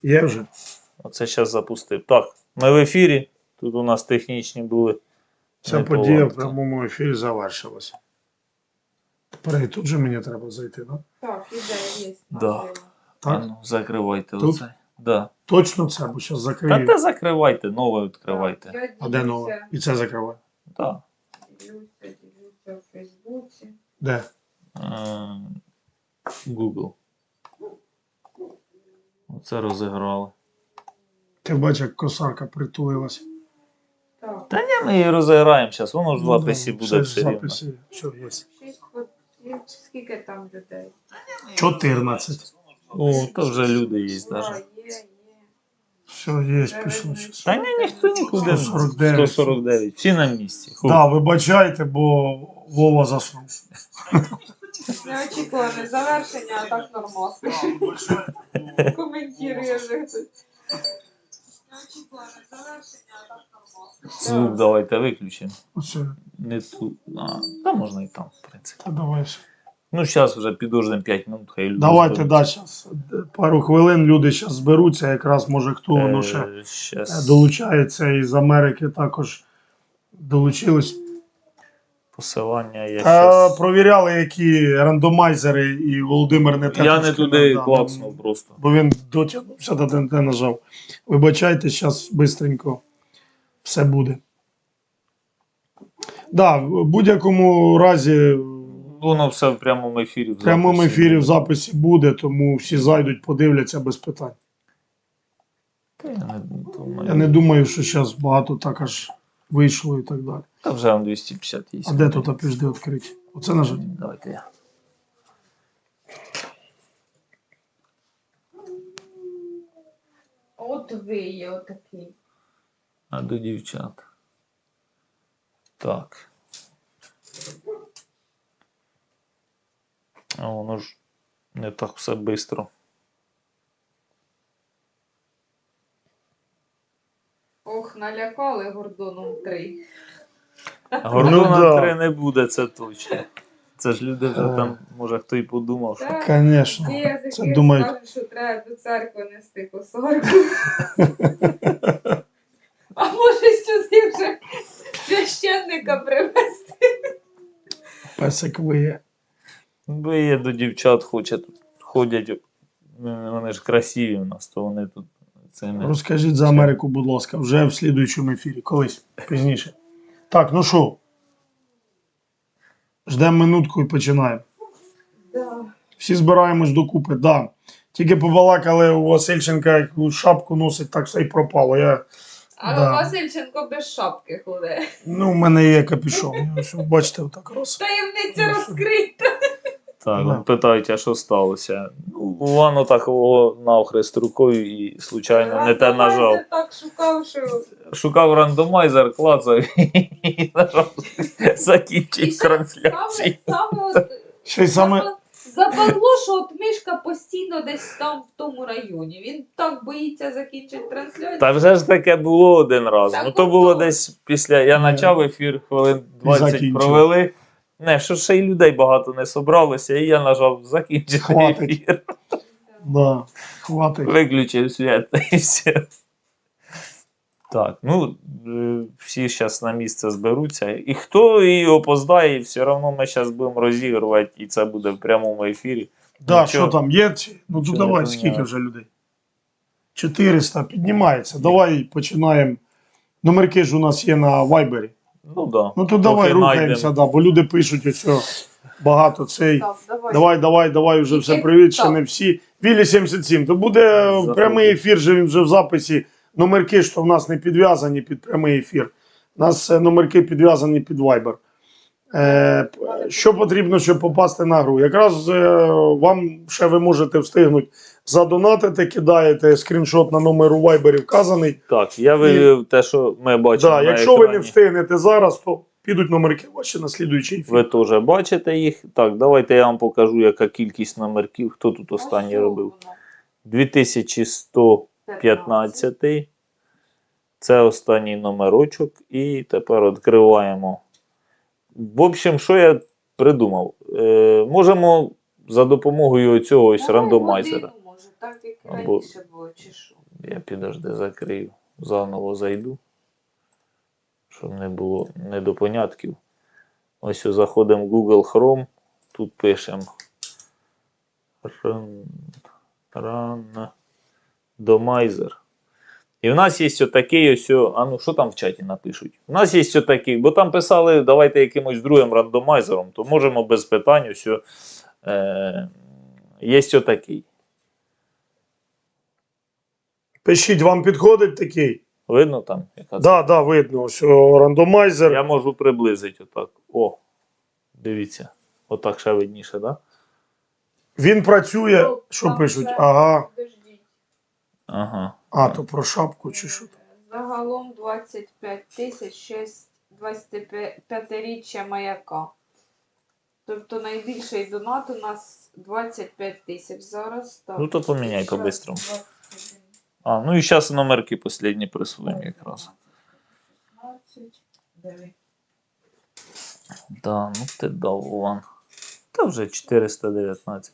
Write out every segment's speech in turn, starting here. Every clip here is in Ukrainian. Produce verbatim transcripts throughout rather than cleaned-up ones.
Є вже. Оце зараз запустив. Так, ми в ефірі. Тут у нас технічні були. Ця подія в прямому ефірі завершилася. Тепер і тут же мені треба зайти, так? Так, ідея є. Да. А Так? ну, закривайте Тут? оце. Да. Точно це, бо зараз Та закрию. те закривайте, нове відкривайте. Я А де нове? ділюся, І це закриваю. Так. ділюся, ділюся в Фейсбуці. Де? Е, Google. Оце розіграли. Ти бачиш, як косарка притулилась. Так, Та ні, ми її розіграємо зараз, воно ж в записі Ну, буде все ж все в рівно. записі. Все, є. шість фотів. Скільки там людей? чотирнадцять. О, то вже люди є Ура, навіть. є, є. Все, є, пішло. щас. Та ні, ніхто нікуди. сто сорок дев'ять. сто сорок дев'ять. Всі на місці. Ху. Да, вибачайте, бо Вова заснув. Неочікуване завершення, а так нормально. Коментує вже хтось. Неочікуване завершення, а так нормально. Звук давайте виключимо. Оце. Не тут. А, та можна і там, в принципі. Та давай все. Ну, зараз вже підождемо п'ять минут, хай люди. Давайте, зберуться. да, зараз. Пару хвилин люди зараз зберуться, якраз може хто воно ще Е, щас долучається із Америки також долучились. посилання я А, щас... провіряли, які рандомайзери, і Володимир не те Я не сказав, туди да, клацнув просто. бо він дотягнувся до ТНТ нажав. Вибачайте, зараз швидко все буде. Да, в будь-якому разі Воно все в прямому ефірі. в прямому ефірі в записі буде, тому всі зайдуть, подивляться без питань. Та я не думаю. Я не думаю, що зараз багато так аж вийшло і так далі. Та вже вам двісті п'ятдесят є. А де тут піжди відкриті? Оце нажати? Давайте я. От ви є отакий. А до дівчат. Так. А воно ж не так все швидко. Ох, налякали Гордоном три. Гордона Ну, да. три не буде, це точно. Це ж люди вже там, може хто і подумав, що. Так, Звісно. ті язики Це думають. скажуть, що треба до церкви нести косарку. А може сюди вже священника привезти? Песик виє. Ви є до дівчат хочуть, ходять, вони ж красиві в нас, то вони тут цими. Розкажіть за Америку, будь ласка, вже в слідуючому ефірі, колись, пізніше. Так, ну що? Ждемо минутку і починаємо. Да. Всі збираємось докупи, да. Тільки побалакали у Васильченка, яку шапку носить, так все й пропало. Я, А Да. Васильченко без шапки ходить. ну, в мене є капюшон. Я, що, бачите, отак раз. Таємниця розкрита. Так, Да. да. Питають, а що сталося? Ну, воно так його навхрест рукою і, случайно, не те нажав. Рандомайзер так шукав, що... Шукав рандомайзер, клацав і нажав І закінчить ще трансляцію. Саме, саме от Ще й саме, западло, що от мишка постійно десь там в тому районі. Він так боїться закінчити трансляцію. Та вже ж таке було один раз. Так Ну то от було то. десь після. Я Не. почав ефір, хвилин двадцять закінчив. провели. Не, що ще й людей багато не собралося, і я нажав закінчити Хватить. ефір. да, хватить. Виключив світ і все. Так, ну е, всі зараз на місце зберуться. І хто і опоздає, все одно ми зараз будемо розігрувати, і це буде в прямому ефірі. Да, Нічого. що там, є? чи- Ну, Нічого то давай, не скільки поміняли. вже людей? чотириста, піднімається. Давай починаємо. Номерки ж у нас є на Вайбері. Ну да. Ну то давай Поки рухаємося, найдемо. да, бо люди пишуть ось багато цей. Так, давай. Давай, давай, давай, вже все Тільки привіт, ще так. не всі. Вілі сімдесят сім, то буде Заходимо. прямий ефір, же він вже в записі. Номерки, що в нас не підв'язані під прямий ефір. У нас е, номерки підв'язані під Viber. Е, п- що потрібно, щоб попасти на гру? Якраз е, вам ще ви можете встигнути задонатити, кидаєте скріншот на номер у Viber вказаний. Так, я вивів те, що ми бачимо. Да, на якщо ви не екрані. встигнете зараз, то підуть номерки ваші на слідуючий ефір. Ви теж бачите їх. Так, давайте я вам покажу, яка кількість номерків. Хто тут останній робив? дві тисячі сто п'ятнадцять. Це останній номерочок. І тепер відкриваємо. В общем, що я придумав? Е, можемо за допомогою цього ось рандомайзера. так як і Або- раніше було, чи що? Я підожди закрию. Заново зайду. Щоб не було недопонятків. Ось заходимо в Google Chrome. Тут пишемо рандомайзер. І в нас є отакий ось. А ну що там в чаті напишуть? У нас є отакий, бо там писали, давайте якимось другим рандомайзером, то можемо без питань ось. Е, є отакий. Пишіть, вам підходить такий? Видно там? Яка це? Да, да, видно, що рандомайзер. Я можу приблизити отак. О, дивіться. Отак ще видніше, так? Да? Він працює, Ну, що там пишуть? вже- Ага. Подождіть. Ага. А, то про шапку чи що? Загалом двадцять п'ять тисяч шість двадцятип'ятиріччя маяка. Тобто найбільший донат у нас двадцять п'ять тисяч зараз. Так. Ну то поміняй Щас по-бистрому. двадцять один. А, ну і зараз номерки останні присвоїмо якраз. шістнадцять, дев'ять. Да, ну ти дав Вован. Та вже чотириста дев'ятнадцять.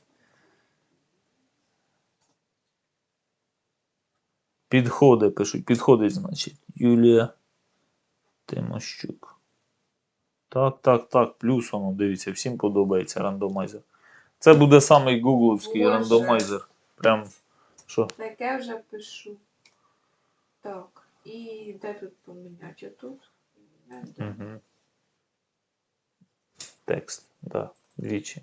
Підходи пишуть. Підходить, значить. Юлія Тимощук. Так, так, так. Плюс воно, дивіться, всім подобається рандомайзер. Це буде самий гугловський Боже. рандомайзер. Прям, що? Таке вже пишу. Так. І де тут поміняти? Отут? Не, де? Угу. Текст, да, двічі.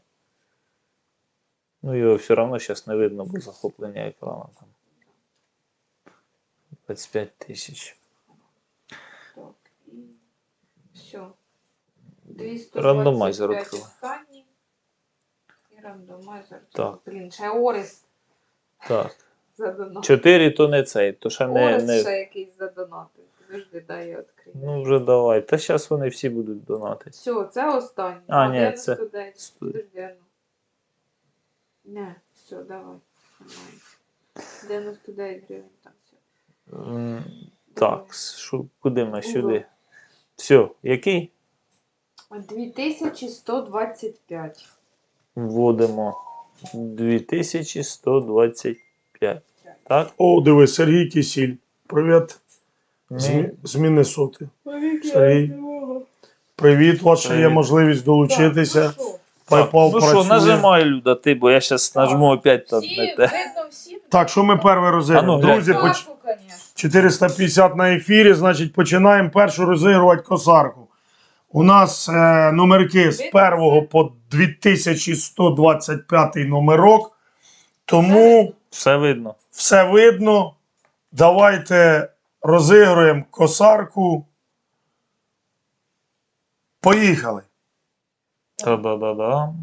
Ну його все одно зараз не видно, бо захоплення екрану там. двадцять п'ять тисяч. Так. І все. двісті Рандомайзер двадцять п'ять відкрила. останній. І рандомайзер. Так. Блін, ще Орис Так. задонатив. чотири то не цей, то ще не. Орис не... ще якийсь задонатив. Подожди, дай я відкрию. Ну вже давай. Та зараз вони всі будуть донатити. Все, це останній. А, ні, дев'яносто це- дев'ять. Стой. Подожди, а ну. Не, все, давай. Нормально. дев'яносто дев'ять гривень там все. М, Так, що, куди ми сюди? Все, який? дві тисячі сто двадцять п'ять. Вводимо дві тисячі сто двадцять п'ять. Так? О, диви, Сергій Кісіль. Привіт. З, Ми... Мі- з Міннесоти. Сергій. Привіт, у вас ще є Привіт. можливість долучитися. Так, ну PayPal ну що, працює. нажимай, Люда, ти, бо я зараз Так. нажму опять там всі, не те. видно всім. Так, що ми перше А розіграємо? ну, глянь. Друзі, поч... Косарку, конечно. чотириста п'ятдесят на ефірі, значить починаємо першу розігрувати косарку. У нас е, номерки з першого по дві тисячі сто двадцять п'ятий номерок. Тому Все видно. все видно. Давайте розігруємо косарку. Поїхали. Та-да-да-да.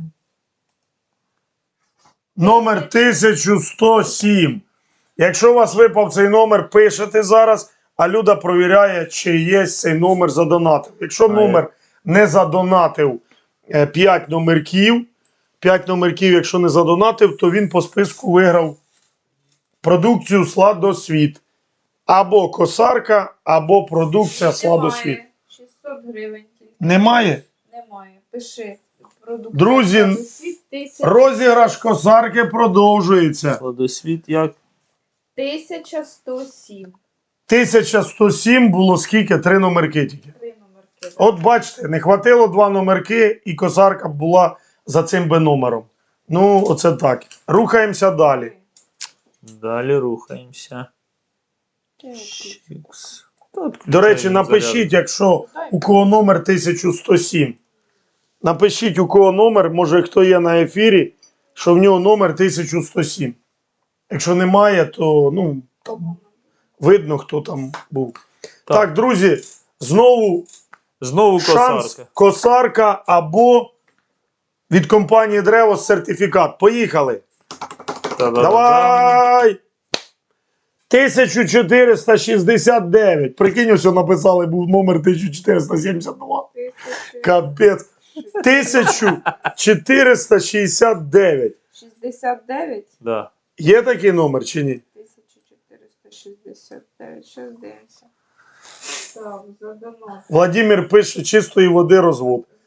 Номер тисяча сто сім. Якщо у вас випав цей номер, пишете зараз, а Люда провіряє, чи є цей номер задонатив. Якщо А, номер не задонатив п'ять номерків, п'ять номерків, якщо не задонатив, то він по списку виграв продукцію Сладосвіт. Або косарка, або продукція Сладосвіт. Немає. шістсот гривень тільки. Немає? Немає. Пиши. Продукт. Друзі, Сладосвіт тисяча- Розіграш косарки продовжується. Сладосвіт як? тисяча сто сім. тисяча сто сім було скільки? Три номерки тільки. Три номерки. От бачите, не хватило два номерки, і косарка була за цим би номером. Ну, оце так. Рухаємося далі. Далі рухаємося. Так. Чікс. Та відключаємо До речі, заряд. напишіть, якщо у кого номер тисяча сто сім. Напишіть, у кого номер, може хто є на ефірі, що в нього номер тисяча сто сім. Якщо немає, то ну, там видно, хто там був. Так, Так. друзі, знову Знову шанс косарка. косарка або від компанії Древо сертифікат. Поїхали. Та-да-да-да. Давай! тисяча чотириста шістдесят дев'ять. Прикинь, ось написали, був номер тисяча чотириста сімдесят два. Тисяча Капець. тисяча чотириста шістдесят дев'ять. шістдесят дев'ять. Да. Є такий номер чи ні? тисяча чотириста шістдесят дев'ять. Щас дивимося. Так, задонат. Владимир пише чистої води розвод.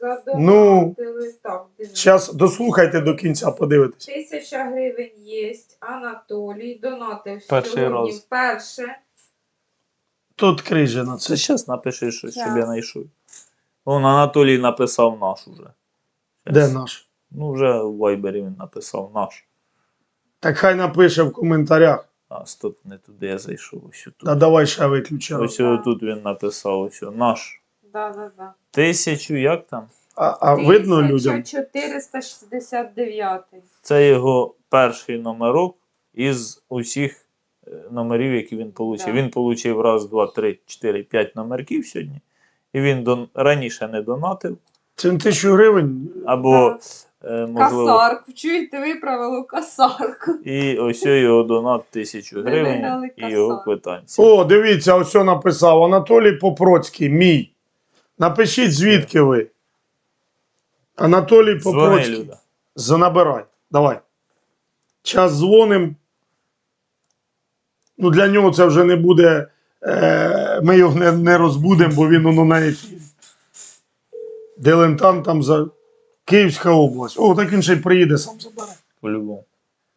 Ну, задонатили. Так, дивіться. Зараз дослухайте до кінця, подивитесь. Тисяча гривень є. Анатолій донатив Перший сьогодні раз. вперше. Тут крижина. Це Це зараз напиши щось, щоб я Щас. знайшов. Вон Анатолій написав наш уже. де наш? Ну, вже в Вайбері він написав наш. Так хай напише в коментарях. А, стоп, не туди я зайшов. Ось тут. А давай ще виключи. Ось Да. тут він написав, ось о, наш. Да, да, да. Тисячу, як там? А, а видно людям? тисяча чотириста шістдесят дев'ять. Це його перший номерок із усіх е, номерів, які він отримав. Да. Він отримав раз, два, три, чотири, п'ять номерків сьогодні. І він дон... раніше не донатив. Це на тисячу гривень. Або, е, можливо, Касарку. Чуєте, виправило касарку. і ось його донат тисячу Ви гривень виграли і його касар. квитанція. О, дивіться, ось що написав. Анатолій Попроцький, мій. Напишіть, звідки ви. Анатолій Дзвони, Попроцький. Люда. Занабирай. Давай. Час дзвоним. Ну, для нього це вже не буде. Е, ми його не, не розбудемо, бо він ну, на ефірі. Дилентант там за Київська область. О, так він ще й приїде, сам забере. По-любому.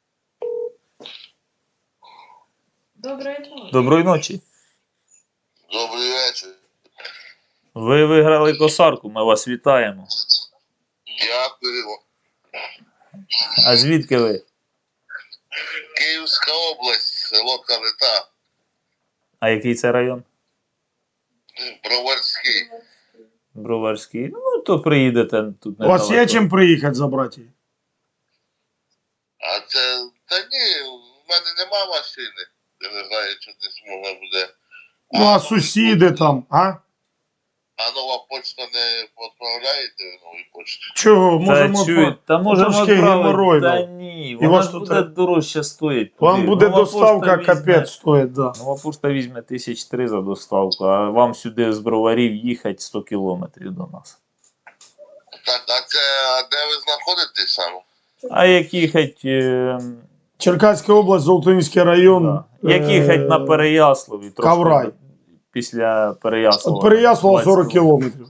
Доброї ночі. Доброї ночі. Добрий вечір. Ви виграли косарку, ми вас вітаємо. Дякую. А звідки ви? Київська область, село Калита, А який це район? Броварський. Броварський. Ну, то приїдете тут У вас є недалеко. чим приїхати забрати її? А це. Та ні, в мене нема машини. Я не знаю, чи десь можна буде. Ну, а сусіди там, а? А нова почта не відправляєте новій почті? Чого? Та, Можемо. чують, та можемо трошки геморрой, відправити. Та да. ні, І вона вас ж тут буде треба- дорожче стоїть. Вам туди. буде Нова доставка пошта візьме- капець стоїть, да. Нова пошта візьме тисяч три за доставку, а вам сюди з Броварів їхати сто кілометрів до нас. Так, а це а де ви знаходитесь саме? А як їхати, е, Черкаська область, Золотоніський район. да. як їхати е, на Переяславі, трошки Каврай. після Переяслава. От Переяслава сорок двадцять кілометрів.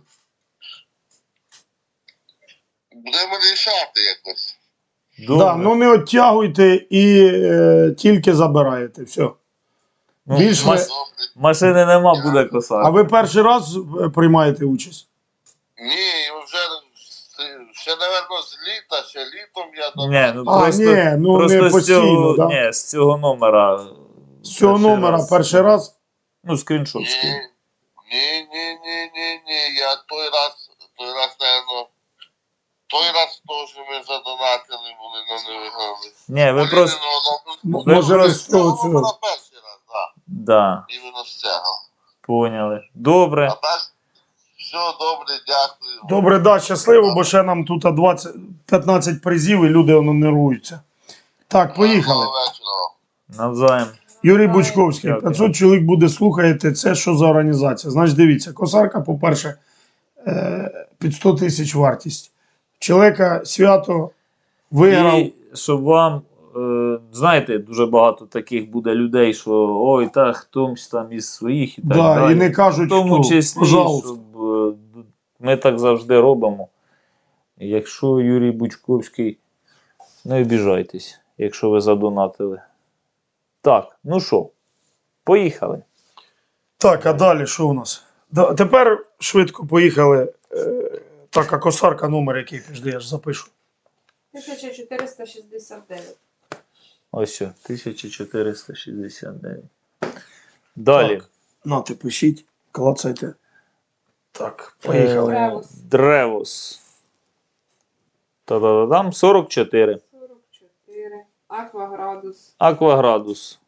Будемо рішати якось. Добре. Да, ну не оттягуйте і е, тільки забираєте. Все. Ну, більш маш- ви- Добре. Машини нема, буде косарка. А ви перший раз е, приймаєте участь? Ні, вже ще, напевно, з літа, ще літом я до Ні, ну А, просто, ні, ну просто не з постійно, цього, да? ні, з цього номера. З цього номера перший раз. Ну, скріншот Ні, скинь. ні, ні, ні, ні, ні. Я той раз, той раз, наверно, той раз теж ми задонатили були, але не виграли. Ні, ви просто. М- Ви Може ви просто- з цього Це цього. було перший раз, так. Да, Іменно з цього. поняли. Добре. А так, все добре, дякую. Добре, да, щасливо, бо ще нам тут двадцять п'ятнадцять призів і люди воно нервуються. Так, поїхали. Гарного вечора. Навзаєм. Юрій Бучковський, Дякую. п'ятсот чоловік буде слухаєте, це що за організація? Значить, дивіться, косарка, по-перше, е, під сто тисяч вартість. Чоловіка свято виграв. І щоб вам, е, знаєте, дуже багато таких буде людей, що ой, та хтось там із своїх і так Да, далі. і не кажуть, В тому хто. числі, Пожалуйста. щоб е, ми так завжди робимо. Якщо Юрій Бучковський, не обіжайтесь, якщо ви задонатили. Так, ну що, поїхали. Так, а далі що у нас? Да, тепер швидко поїхали. Е, так, а косарка номер який підожди, я ж запишу. тисяча чотириста шістдесят дев'ять. Ось, о, тисяча чотириста шістдесят дев'ять. Далі. Так. Нате, пишіть, клацайте. Так, поїхали. Е, Древос. Древос. Та-да-да-дам, сорок чотири. сорок чотири. Акваградус. Акваградус.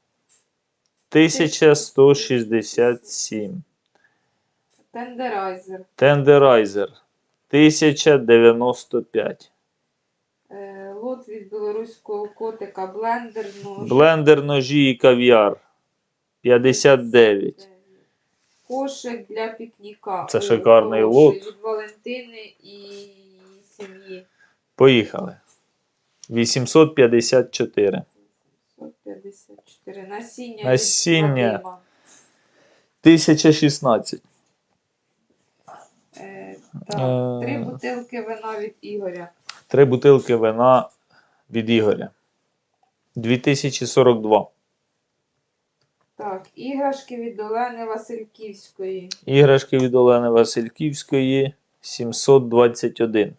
тисяча сто шістдесят сім. Тендерайзер. Тендерайзер. тисяча дев'яносто п'ять. Е, лот від білоруського котика. Блендер. Нож. Блендер, ножі і кав'яр. п'ятдесят дев'ять. Кошик для пікніка. Це О, шикарний хороший. лот. Від Валентини і сім'ї. Поїхали. вісімсот п'ятдесят чотири. сто п'ятдесят чотири. Насіння. від Насіння. Вадима. тисяча шістнадцять. Е, Так, Е. три бутилки вина від Ігоря. Три бутилки вина від Ігоря. дві тисячі сорок два. Так, іграшки від Олени Васильківської. Іграшки від Олени Васильківської сімсот двадцять один.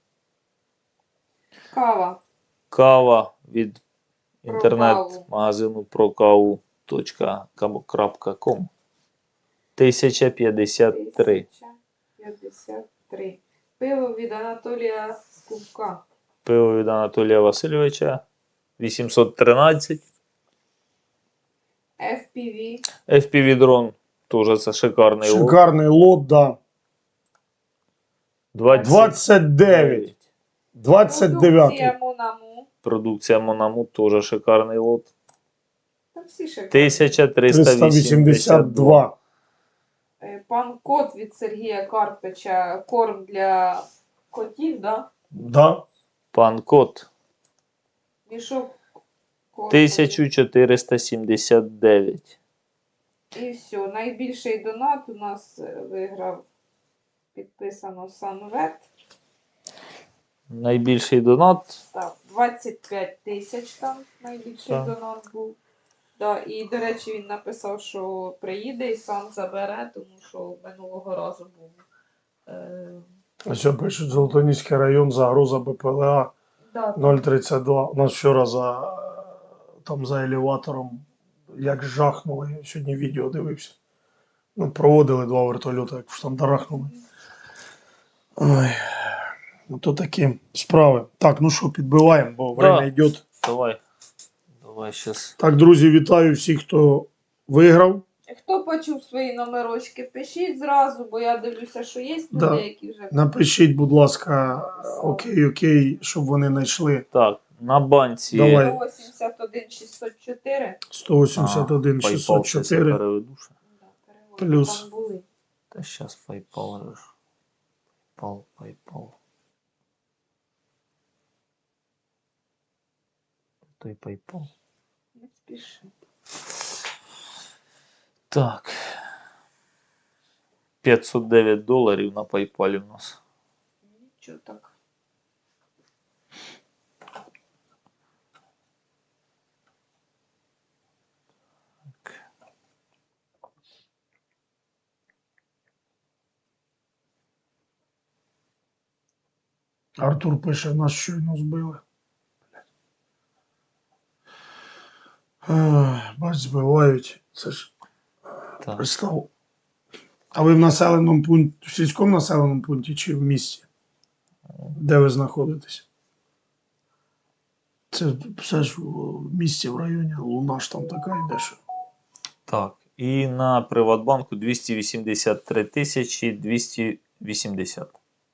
Кава. Кава від Про інтернет-магазину прокаву точка ком. тисяча п'ятдесят три. тисяча п'ятдесят три. Пиво від Анатолія Скубка. Пиво від Анатолія Васильовича вісімсот тринадцять. еф пі ві. еф пі ві дрон теж це шикарний лот. Шикарний лот, да. двадцять двадцять дев'ять. двадцять дев'ять. Продукція Монаму. Продукція Монаму теж шикарний лот. Там всі шикарні. тисяча триста триста вісімдесят вісімдесят два. два. Е, Пан Кот від Сергія Карпича. Корм для котів, да? Да. Пан Кот Мішок корму. тисяча чотириста сімдесят дев'ять. І все. Найбільший донат у нас е, виграв, підписано Санвет. Найбільший донат. Так, двадцять п'ять тисяч там найбільший Так. донат був. Да, і, до речі, він написав, що приїде і сам забере, тому що минулого разу був. Е, Ось пишуть, Золотоніський район, загроза Б П Л А да, нуль тридцять два. У нас вчора за, там за елеватором, як жахнули, сьогодні відео дивився. Ну, проводили два вертольоти, як там дарахнули. Ой, ну то такі справи. Так, ну що, підбиваємо, бо время йде. Давай. Давай щас. Так, друзі, вітаю всіх, хто виграв. Хто почув свої номерочки, пишіть зразу, бо я дивлюся, що є люди, Да. які вже... Напишіть, будь ласка, окей, окей, щоб вони знайшли Так, на банці. Давай. сто вісімдяд один шістсот чотири. сто вісімдесят один А, шістсот PayPal щас я чотири. переведу ще. Да, переводи Плюс. там були. Та щас PayPal. же ж. PayPal, PayPal. Той PayPal. Не спіши. Так. п'ятсот дев'ять доларів на PayPal у нас. Нічого так. Артур пише, нас щойно збили. Ах, Бач, збивають. Це ж Так. пристав. А ви в населеному пункті, в сільському населеному пункті чи в місті? Де ви знаходитесь? Це все ж в місті, в районі. Луна ж там така йде, що. Так. І на Приватбанку двісті вісімдесят три тисячі двісті вісімдесят.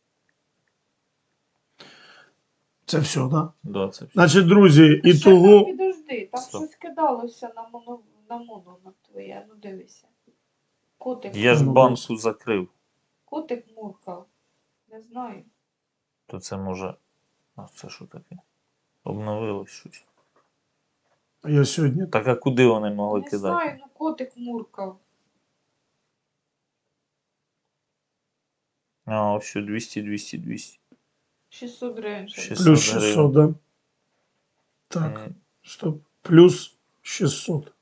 Це все, так? Да? Да, це все. Значить, друзі, і Ще там, того. підожди, там Стоп. щось кидалося на моно, на моно на твоє, ну дивися. Котик, Я ж Ну, банку закрив. котик муркав. Не знаю. То це може. А це що таке? Обновилось щось. Я сьогодні. Так а куди вони могли Не кидати? знаю, ну котик муркав. А, ось що двісті, двісті, двісті. шістсот гривень. ще. шістсот Плюс шістсот, да? Так, М, стоп. Плюс шістсот.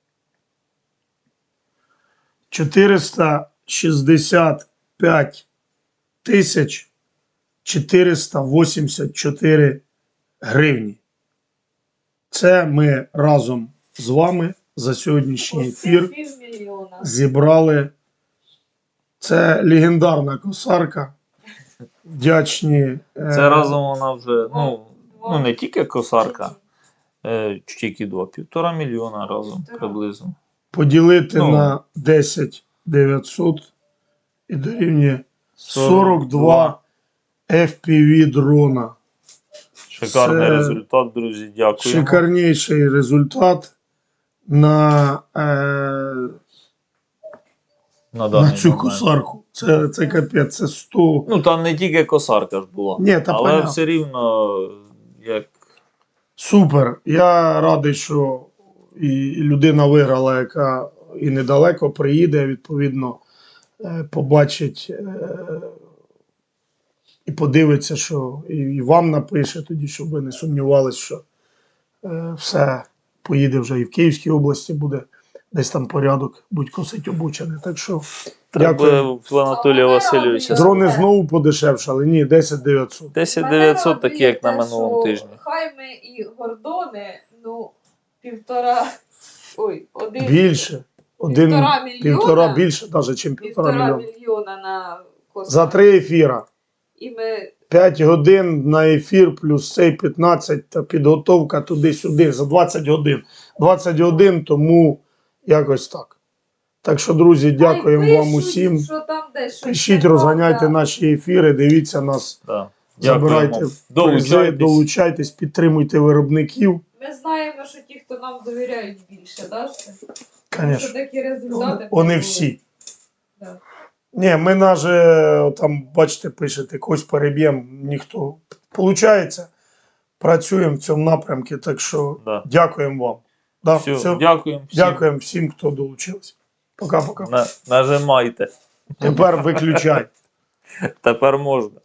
чотириста шістдесят п'ять тисяч чотириста вісімдесят чотири гривні. Це ми разом з вами за сьогоднішній ефір Оце півмільйона. зібрали. Це легендарна косарка. Вдячні. е, Це разом вона вже, ну, Два. ну не тільки косарка, е, тільки два, півтора мільйона разом Півтора. приблизно. Поділити Ну. на десять дев'ятсот і дорівнює сорок два еф пі ві дрона. Шикарний Це результат, друзі, дякую. Шикарніший результат на, е, На, на даний цю момент. косарку. Це, це капець, це сто. Ну там не тільки косарка ж була, Ні, та але понятно. все рівно, як Супер. Я радий, що і і людина виграла, яка і недалеко приїде, відповідно, е, побачить е, і подивиться, що і, і вам напише тоді, щоб ви не сумнівались, що е, все поїде вже і в Київській області буде десь там порядок, будь косить обучений. Так що Треба дякую. в Анатолія Васильовича. Дрони знову подешевшали. Ні, десять дев'ятсот. десять Мене дев'ятсот, такі як на радує те, минулому що тижні. Хайми і Гордони, ну, півтора, ой, один, Більше. Один, півтора мільйона, півтора більше, навіть, ніж півтора півтора мільйона. мільйона на космос. За три ефіра. І ми п'ять годин на ефір, плюс цей п'ятнадцять та підготовка туди-сюди за двадцять годин. двадцять годин, тому якось так. Так що, друзі, дякуємо Хай вам пишуть, усім. що там десь щось Пишіть, не розганяйте правда. наші ефіри, дивіться нас, Да. забирайте Дякуємо. призи, Долучайтесь. долучайтесь, підтримуйте виробників. Ми знаємо, що ті, хто нам довіряють більше, да? що- Що Звісно, такі результати. вони були. всі. Да. Ні, ми навіть, там, бачите, пишете, когось переб'ємо, ніхто. Получається, працюємо в цьому напрямку, так що Да. дякуємо вам. Да, Все, все. дякуємо всім. Дякуємо всім, хто долучився. Пока-пока. На, нажимайте. Тепер виключай. Тепер можна.